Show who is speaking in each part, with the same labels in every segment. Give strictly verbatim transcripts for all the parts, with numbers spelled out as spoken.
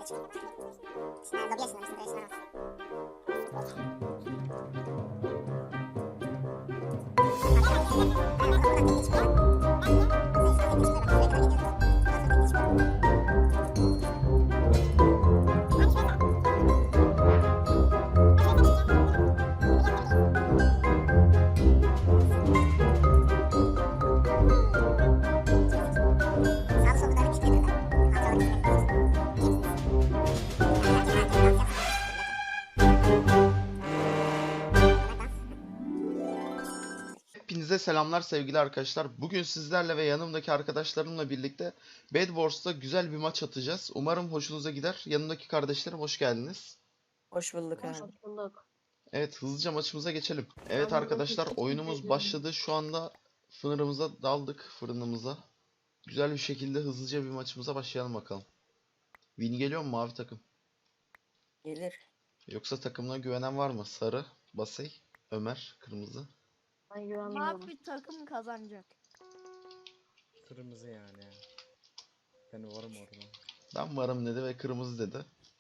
Speaker 1: Hepinize selamlar sevgili arkadaşlar. Bugün sizlerle ve yanımdaki arkadaşlarımla birlikte Bed Wars'ta güzel bir maç atacağız. Umarım hoşunuza gider. Yanımdaki kardeşlerim hoş geldiniz.
Speaker 2: Hoş bulduk abi.
Speaker 3: Hoş bulduk.
Speaker 1: Evet, hızlıca maçımıza geçelim. Evet
Speaker 3: Ben
Speaker 1: arkadaşlar,
Speaker 3: burada
Speaker 1: oyunumuz
Speaker 3: ediyorum.
Speaker 1: başladı. Şu anda fırınımıza daldık, fırınımıza. Güzel bir şekilde hızlıca bir maçımıza başlayalım bakalım. Win geliyor mu mavi takım?
Speaker 2: Gelir.
Speaker 1: Yoksa takımına güvenen var mı? Sarı, Basay, Ömer, kırmızı.
Speaker 3: Ben güvenmiyorum.
Speaker 4: Mavi takım kazanacak.
Speaker 5: Kırmızı yani. Ben varım orada.
Speaker 1: Ben varım dedi ve kırmızı dedi.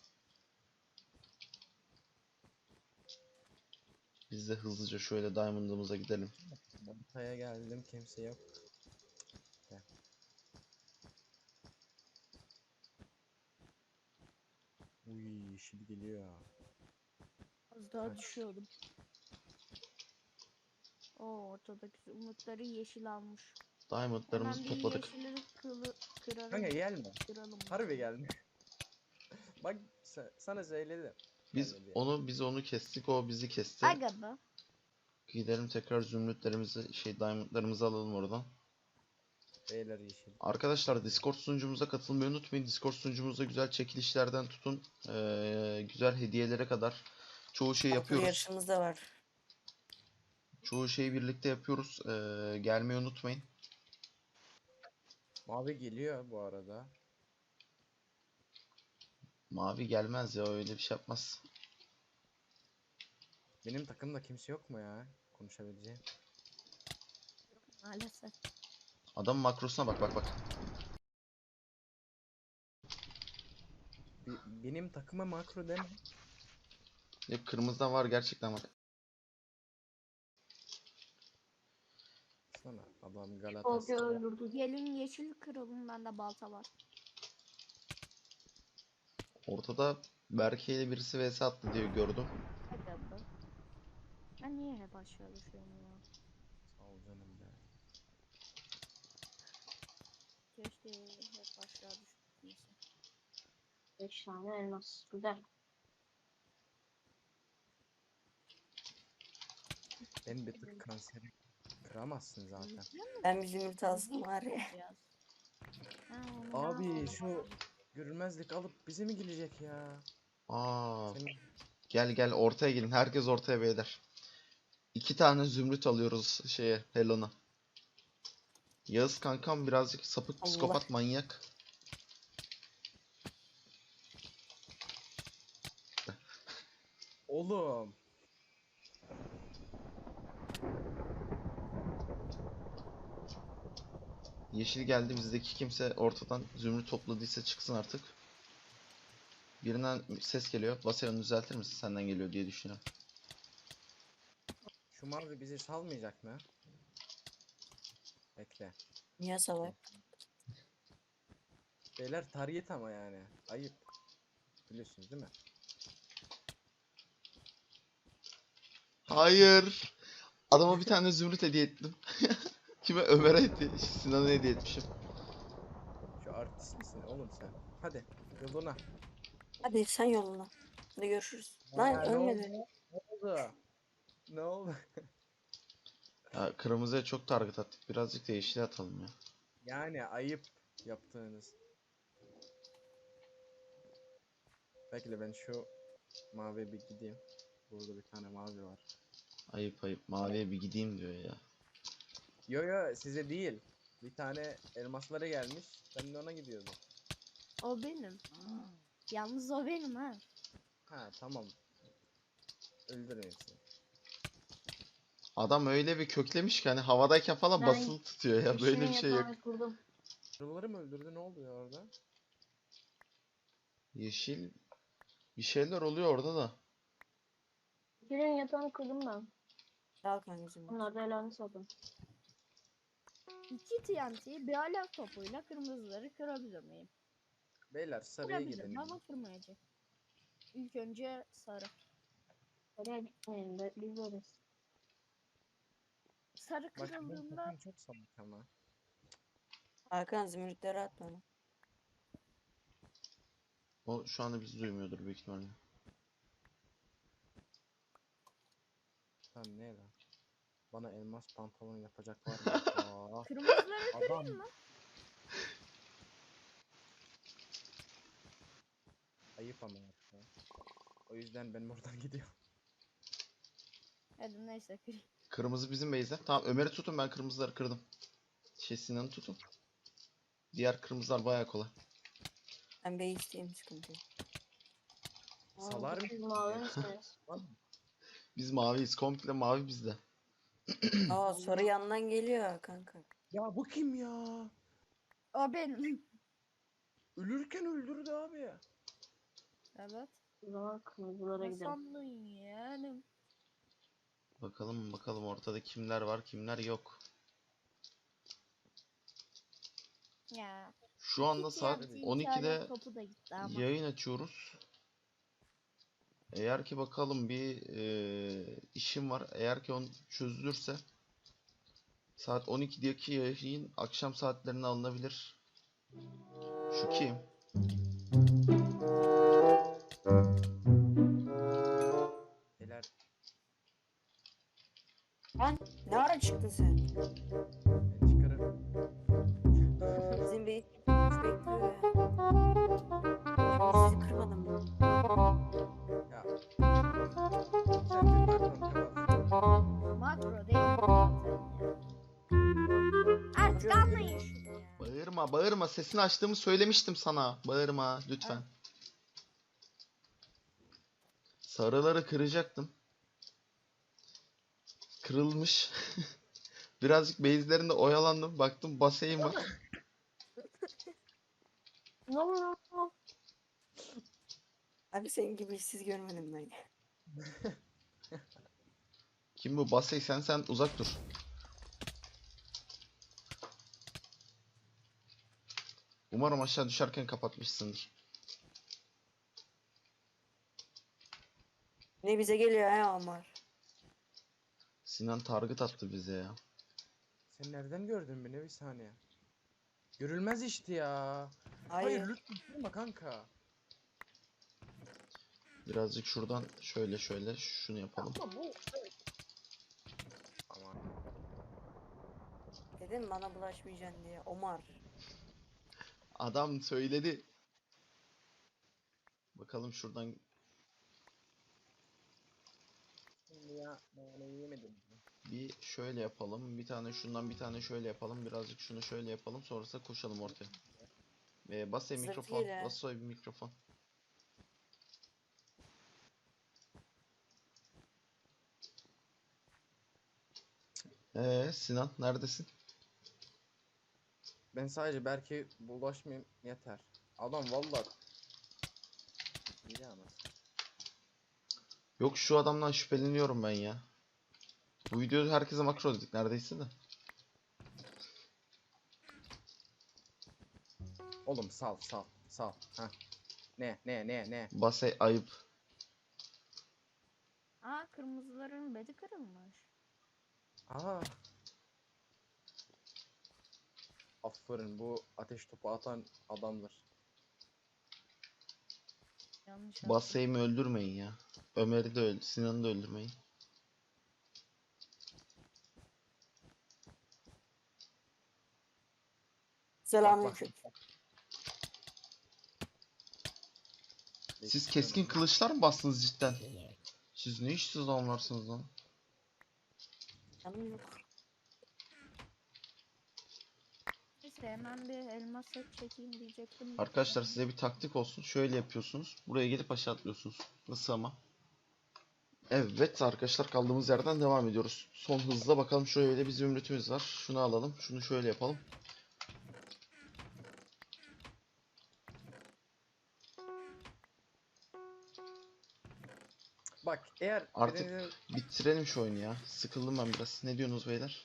Speaker 1: Biz de hızlıca şöyle Diamond'ımıza gidelim.
Speaker 5: Ortaya geldim, kimse yok. Gel. Uy, yeşil geliyor.
Speaker 4: Az daha
Speaker 5: Kaç.
Speaker 4: düşüyordum. Oo, ortadaki umutları yeşil almış.
Speaker 1: Diamond'larımızı
Speaker 4: Hemen bir
Speaker 1: topladık.
Speaker 4: yeşilleri kılı, kıralım.
Speaker 5: Kanka gelme.
Speaker 4: Kıralım.
Speaker 5: Harbi gelme. Bak sa- sana söyledim.
Speaker 1: Biz
Speaker 5: Gelme diye.
Speaker 1: onu biz onu kestik, o bizi kesti.
Speaker 4: Aga be.
Speaker 1: Gidelim tekrar zümrütlerimizi, şey diamondlarımızı alalım oradan.
Speaker 5: Beyler yeşil.
Speaker 1: Arkadaşlar Discord sunucumuza katılmayı unutmayın. Discord sunucumuzda güzel çekilişlerden tutun eee, güzel hediyelere kadar çoğu şey
Speaker 2: Parkur
Speaker 1: yapıyoruz.
Speaker 2: yarışımız da var.
Speaker 1: Çoğu şeyi birlikte yapıyoruz. Eee, gelmeyi unutmayın.
Speaker 5: Mavi geliyor bu arada.
Speaker 1: Mavi gelmez ya, öyle bir şey yapmaz.
Speaker 5: Benim takımda kimse yok mu ya? Konuşabileceğim.
Speaker 4: Maalesef.
Speaker 1: Adam makrosuna bak bak bak.
Speaker 5: Bi- benim takıma makro deme.
Speaker 1: Hep kırmızıdan var, gerçekten var.
Speaker 5: Sana adam
Speaker 3: Tolga
Speaker 5: Galatasaray.
Speaker 3: öldürdü.
Speaker 4: Gelin yeşil kıralım, bende balta var.
Speaker 1: Ortada Berke ile birisi vs attı diye gördüm.
Speaker 4: Aga be. Ben niye hep aşağı düşüyorum ya?
Speaker 5: Sağ ol canım be.
Speaker 4: Keşke hep aşağı düşmese.
Speaker 3: beş tane elmas. Güzel.
Speaker 5: Ben bir tık kanseri kıramazsın zaten.
Speaker 2: Ben bir zümrüt alsam var ya.
Speaker 4: Biraz. Ha, onu
Speaker 5: Abi
Speaker 4: ben-
Speaker 5: şu görünmezlik alıp bize mi gelecek ya?
Speaker 1: Aa,
Speaker 5: Senin
Speaker 1: gel gel ortaya gelin. Herkes ortaya beyler. İki tane zümrüt alıyoruz şeye, Helon'a. Yağız kankam birazcık sapık,
Speaker 2: Allah.
Speaker 1: psikopat, manyak.
Speaker 5: oğlum.
Speaker 1: Yeşil geldi, bizdeki kimse ortadan zümrüt topladıysa çıksın artık. Birinden ses geliyor. Vasayonu düzeltir misin? Senden geliyor diye düşünüyorum.
Speaker 5: Şu mavi bizi salmayacak mı? Bekle.
Speaker 2: Niye salak?
Speaker 5: Beyler target ama yani. Ayıp. Biliyorsunuz değil mi?
Speaker 1: Hayır. Adama bir tane zümrüt hediye ettim. Kime? Ömer'e hediye, Sinan'a hediye etmişim.
Speaker 5: Şu artist misin oğlum sen? Hadi yoluna.
Speaker 2: Hadi sen yoluna. Hadi görüşürüz. Lan
Speaker 5: Aa, ne
Speaker 2: ölmedi.
Speaker 5: oldu? Ne oldu? Ne oldu?
Speaker 1: Ya, kırmızıya çok target attık. Birazcık da yeşile atalım ya.
Speaker 5: Yani ayıp yaptığınız. Bekle ben şu maviye bir gideyim. Burada bir tane mavi var.
Speaker 1: Ayıp ayıp. Maviye bir gideyim diyor ya.
Speaker 5: Yo yo size değil. Bir tane elmaslara gelmiş. Ben de ona gidiyordum.
Speaker 4: O benim. Yalnız o benim ha.
Speaker 5: Ha tamam. Öldürmeyin seni.
Speaker 1: Adam öyle bir köklemiş ki hani havadayken falan
Speaker 3: Ben
Speaker 1: basılı tutuyor ya. Böyle bir şey yok.
Speaker 3: Kurdum.
Speaker 5: Kırıları mı öldürdü? Ne oluyor orada?
Speaker 1: Yeşil bir şeyler oluyor orada da.
Speaker 3: Yeşilin yatağını kırdım ben.
Speaker 2: Al kankacığım.
Speaker 3: Onlar da ellerini sattım.
Speaker 4: İki T N T bir alev topuyla kırmızıları kırabilir miyim?
Speaker 5: Beyler sarıya
Speaker 4: Kırabilirim
Speaker 5: gidelim.
Speaker 4: ama kırmayacak. İlk önce sarı.
Speaker 3: Oraya gitmeyelim de biz öyleriz.
Speaker 4: Sarı
Speaker 5: Bak benim
Speaker 4: kırıldığında
Speaker 5: takım çok salak ama.
Speaker 2: Hakan zümrütleri at bana.
Speaker 1: O şu anda bizi duymuyordur büyük ihtimalle.
Speaker 5: Lan ne lan? Bana elmas pantolon yapacak var mı? Aa,
Speaker 4: kırmızıları
Speaker 5: adam
Speaker 4: kırayım mı?
Speaker 5: ayıp ama ya. O yüzden ben buradan gidiyorum.
Speaker 4: Hadi neyse kırayım.
Speaker 1: Kırmızı bizim base'de. Tamam Ömer'i tutun, ben kırmızıları kırdım. Şey Sinan'ı tutun. Diğer kırmızılar bayağı kolay.
Speaker 2: Ben base'deyim, sıkıntı yok.
Speaker 5: Salar mı?
Speaker 3: Siz mavi misiniz?
Speaker 1: Biz maviyiz. Komple mavi bizde.
Speaker 2: Aa sarı yandan geliyor kanka.
Speaker 5: Ya bu kim ya?
Speaker 4: O benim.
Speaker 5: Ölürken öldürdü abi.
Speaker 4: Evet.
Speaker 3: O zaman kırmızılara
Speaker 4: Ne
Speaker 3: gidelim.
Speaker 4: sandın yeğenim?
Speaker 1: Bakalım bakalım ortada kimler var kimler yok.
Speaker 4: Ya.
Speaker 1: Şu anda
Speaker 4: iki
Speaker 1: saat
Speaker 4: T N T, iki
Speaker 1: on ikide
Speaker 4: alev topu da gitti ama.
Speaker 1: yayın açıyoruz. Eğer ki bakalım bir eee, işim var. Eğer ki on çözülürse saat on ikideki yayın akşam saatlerine alınabilir. Şu kim?
Speaker 5: Beyler
Speaker 2: Lan ne ara çıktın sen?
Speaker 5: ben çıkarırım.
Speaker 2: Bizim base bekliyor ya. Şimdi sizi kırmadım mı?
Speaker 5: Ya. Sen bir pardon tamam.
Speaker 4: Makro değil mi zaten ya? Artık anlayın şunu ya.
Speaker 1: Bağırma bağırma, sesini açtığımı söylemiştim sana. Bağırma lütfen. Sarıları kıracaktım. Kırılmış. Birazcık base'lerinde oyalandım. Baktım basayım var.
Speaker 3: Ne oluyor?
Speaker 2: Abi senin gibi işsiz görmedim ben.
Speaker 1: Kim bu? Basay sen sen uzak dur. Umarım aşağı düşerken kapatmışsındır.
Speaker 2: Ne bize geliyor ya Omar.
Speaker 1: Sinan target attı bize ya.
Speaker 5: Sen nereden gördün beni bir saniye? Görülmez işte ya.
Speaker 2: Hayır.
Speaker 5: Hayır lütfen kırma kanka.
Speaker 1: Birazcık şuradan şöyle şöyle şunu yapalım.
Speaker 5: Ama bu. Aman.
Speaker 2: Dedim bana bulaşmayacaksın diye. Omar.
Speaker 1: Adam söyledi. Bakalım şuradan
Speaker 5: Şimdi ya ben yemedim.
Speaker 1: bir şöyle yapalım. Bir tane şundan bir tane şöyle yapalım. Birazcık şunu şöyle yapalım. Sonrasında koşalım ortaya. Ee, Basay
Speaker 2: Sırtıyla.
Speaker 1: mikrofon. Basay bir mikrofon. Ee, Sinan neredesin?
Speaker 5: Ben sadece belki bulaşmayayım yeter. Adam vallahi iyi ama.
Speaker 1: Yok şu adamdan şüpheleniyorum ben ya. Bu videoda herkese makro dedik neredeyse de.
Speaker 5: Oğlum sal sal sal. Ha. Ne ne ne ne?
Speaker 1: Basay ayıp.
Speaker 4: Aa kırmızıların bedi kırılmış.
Speaker 5: Aa. Aferin bu ateş topu atan adamdır.
Speaker 4: Yanlış yaptım.
Speaker 1: Basay'ımı öldürmeyin ya. Ömer'i de öldür, Sinan'ı da öldürmeyin.
Speaker 2: Selamünaleyküm.
Speaker 1: Siz keskin kılıçlar mı bastınız cidden? Siz ne işsiz adamlarsınız lan?
Speaker 2: Canım yok.
Speaker 4: Neyse hemen bir elmas set çekeyim diyecektim.
Speaker 1: Arkadaşlar size bir taktik olsun. Şöyle yapıyorsunuz. Buraya gelip aşağı atlıyorsunuz. Nasıl ama? Evet arkadaşlar kaldığımız yerden devam ediyoruz. Son hızla bakalım şöyle bir zümrütümüz var. Şunu alalım. Şunu şöyle yapalım.
Speaker 5: Bak eğer
Speaker 1: Artık-
Speaker 5: birinizin-
Speaker 1: Bitirelim şu oyunu ya. Sıkıldım ben biraz. Ne diyorsunuz beyler?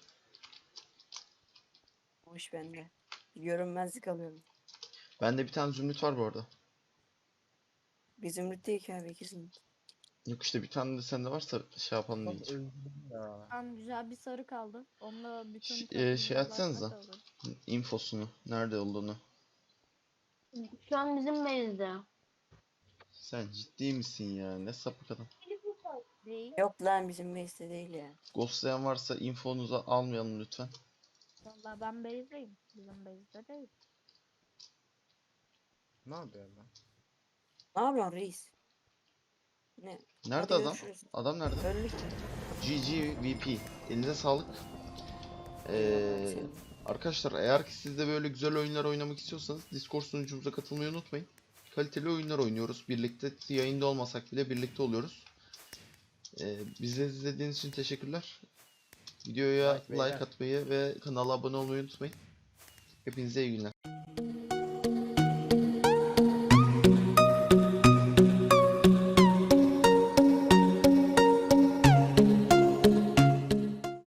Speaker 2: O iş bende. Görünmezlik alıyorum.
Speaker 1: Bende bir tane zümrüt var bu arada.
Speaker 2: Bir zümrüt değil ki abi, iki zümrüt.
Speaker 1: Yok işte bir tane de sende varsa şey yapalım
Speaker 5: Çok
Speaker 1: diyeceğim.
Speaker 5: özledim ya.
Speaker 4: Tam güzel bir sarı kaldı. Onunla bütün
Speaker 1: Ş- e,
Speaker 4: takım
Speaker 1: şey
Speaker 4: dolaşmak
Speaker 1: atsanıza.
Speaker 4: da olur.
Speaker 1: Infosunu. Nerede olduğunu.
Speaker 3: Şu an bizim base'de.
Speaker 1: Sen ciddi misin ya? Ne sapık adam.
Speaker 4: Değil.
Speaker 2: Yok lan, bizim base'de değil ya.
Speaker 1: Ghostlayan varsa infonuzu almayalım lütfen.
Speaker 4: Vallahi ben base'deyim. Bizim base'de değil.
Speaker 5: Ne yapıyor lan?
Speaker 2: Ne yapıyorsun reis? Ne?
Speaker 1: Nerede
Speaker 2: Hadi
Speaker 1: adam?
Speaker 2: görüşürüz.
Speaker 1: Adam nerede?
Speaker 2: Öldük ya.
Speaker 1: G G V P. Elinize sağlık. Ee,
Speaker 2: Senin.
Speaker 1: arkadaşlar eğer ki siz de böyle güzel oyunlar oynamak istiyorsanız Discord sunucumuza katılmayı unutmayın. Kaliteli oyunlar oynuyoruz. Birlikte yayında olmasak bile birlikte oluyoruz. Ee, bizi izlediğiniz için teşekkürler. Videoya
Speaker 5: Like beyler.
Speaker 1: like atmayı ve kanala abone olmayı unutmayın. Hepinize iyi günler.